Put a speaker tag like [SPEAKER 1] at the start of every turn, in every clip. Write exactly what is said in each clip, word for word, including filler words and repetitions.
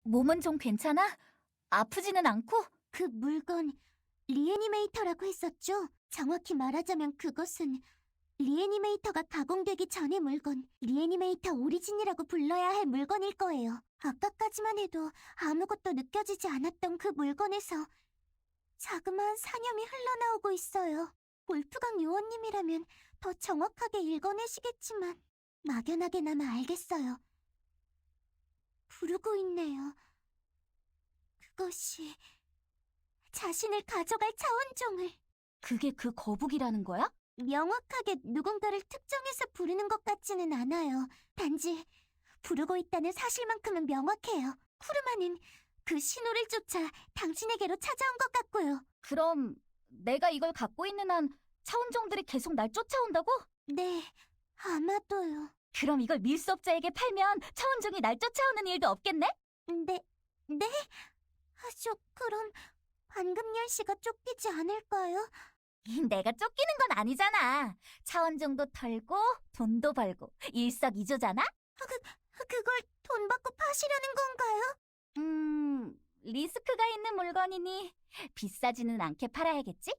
[SPEAKER 1] 몸은 좀 괜찮아? 아프지는 않고?
[SPEAKER 2] 그 물건 리애니메이터라고 했었죠? 정확히 말하자면 그것은 리애니메이터가 가공되기 전의 물건, 리애니메이터 오리진이라고 불러야 할 물건일 거예요. 아까까지만 해도 아무것도 느껴지지 않았던 그 물건에서 자그마한 사념이 흘러나오고 있어요. 볼프강 요원님이라면 더 정확하게 읽어내시겠지만 막연하게나마 알겠어요. 부르고 있네요. 그것이 자신을 가져갈 차원종을.
[SPEAKER 1] 그게 그 거북이라는 거야?
[SPEAKER 2] 명확하게 누군가를 특정해서 부르는 것 같지는 않아요. 단지 부르고 있다는 사실만큼은 명확해요. 쿠르마는 그 신호를 쫓아 당신에게로 찾아온 것 같고요.
[SPEAKER 1] 그럼 내가 이걸 갖고 있는 한 차원종들이 계속 날 쫓아온다고?
[SPEAKER 2] 네, 아마도요.
[SPEAKER 1] 그럼 이걸 밀수업자에게 팔면 차원종이 날 쫓아오는 일도 없겠네?
[SPEAKER 2] 네, 네? 하쇼, 그럼 반금열 씨가 쫓기지 않을까요?
[SPEAKER 1] 내가 쫓기는 건 아니잖아. 차원종도 털고 돈도 벌고 일석이조잖아?
[SPEAKER 2] 그걸 돈 받고 파시려는 건가요?
[SPEAKER 1] 음, 리스크가 있는 물건이니 비싸지는 않게 팔아야겠지?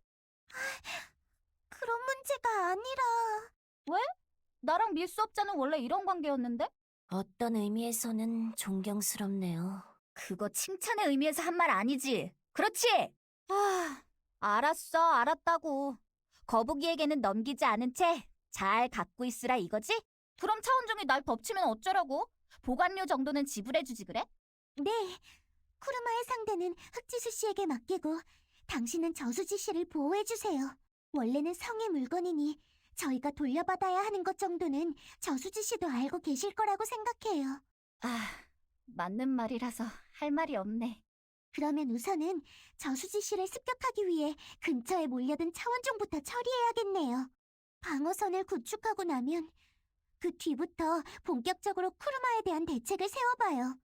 [SPEAKER 2] 그런 문제가 아니라...
[SPEAKER 1] 나랑 밀수업자는 원래 이런 관계였는데?
[SPEAKER 2] 어떤 의미에서는 존경스럽네요.
[SPEAKER 1] 그거 칭찬의 의미에서 한 말 아니지? 그렇지? 아, 알았어, 알았다고. 거북이에게는 넘기지 않은 채 잘 갖고 있으라 이거지? 그럼 차원종이 날 덮치면 어쩌라고? 보관료 정도는 지불해주지 그래?
[SPEAKER 2] 네, 쿠르마의 상대는 흑지수 씨에게 맡기고 당신은 저수지 씨를 보호해주세요. 원래는 성의 물건이니 저희가 돌려받아야 하는 것 정도는 저수지 씨도 알고 계실 거라고 생각해요.
[SPEAKER 1] 아, 맞는 말이라서 할 말이 없네.
[SPEAKER 2] 그러면 우선은 저수지 씨를 습격하기 위해 근처에 몰려든 차원종부터 처리해야겠네요. 방어선을 구축하고 나면 그 뒤부터 본격적으로 쿠르마에 대한 대책을 세워봐요.